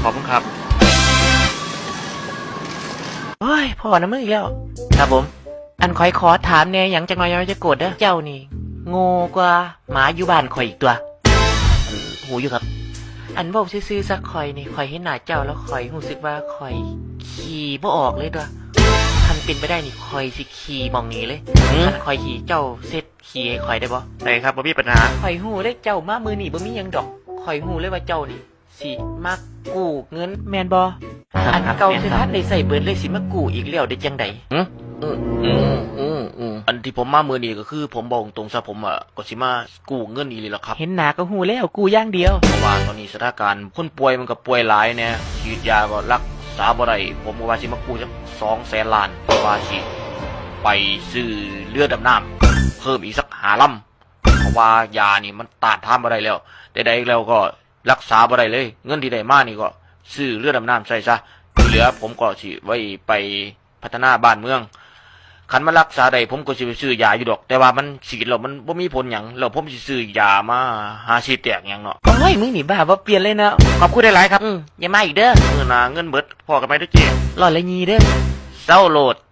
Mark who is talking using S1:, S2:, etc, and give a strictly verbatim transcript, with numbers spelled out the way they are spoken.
S1: ขอบคุณครับ
S2: โอ้ยพ่อนะมึงอีกแล้วครับผมอันคอยขอถามเนี่ยอย่างจังน้อยยังจะโกรธเด้อเจ้านี่โง่กว่าหมาอยู่บ้านคอยอีกตัวหูอยู่ครับอันบอกซื่อๆสักคอยนี่คอยเห็นหน้าเจ้าแล้วคอยรู้สึกว่าคอยขี่บ่ออกเลยตัวคันเป็นไปได้นี่คอยสิขี่มองนี้เลยคันคอยขี่เจ้าเซ็ตขี่ให้คอยได้บ่
S1: ได้ครับบ่มีปัญหา
S2: คอยหูได้เจ้ามามือนี่บ่มีหยังดอกคอยหูเลยว่าเจ้านี่สิมากู้เงินแมนบ่อันเก่าที่ท่านได้ใส่เบิดเลยสิมากู้อีกแล้วได้จังได๋
S1: อืมอืมอืมอืมอืมอันที่ผมมามือนี้ก็คือผมบอกตรงซะผมอ่ะก็สิมากู้เงินอีหลีล่ะครับ
S2: เห็นหน้าก็หูแล้วกู้อย่างเดียว
S1: เพราะว่าตอนนี้สถานการณ์คนป่วยมันก็ป่วยหลายเนี่ยฉีดยาก็รักษาบ่ได้ผมก็ว่าสิมากู้จักสองแสนล้านเพราะว่าสิไปซื้อเรือดำน้ำเพิ่มอีกสักห้าลำเพราะว่ายานี่มันต้านทานบ่ได้แล้วใดๆแล้วก็รักษาบ่ได้เลยเงินที่ได้มานี่ก็ซื้อเรือดำน้ำใส่ซะที่เหลือผมก็สิไว้ไปพัฒนาบ้านเมืองคันมารักษาได้ผมก็สิไปซื้อยาอยู่ดอกแต่ว่ามันฉีดแล้วมันบ่มีผลหยังแล้วผมสิซื้อยามาหาฉีดแตกหยังเนาะ
S2: โอ้ยมึงนี่บ้าบ่เปลี่ยนเลยนะ
S1: ขอบคุณหลายๆครับ
S2: อืมอย่ามาอีกเด้อ
S1: มื้อหน้าเงินเบิดพอกันไหมเด้อเจ้
S2: รอดละยีเด้อ
S1: เซาโหลด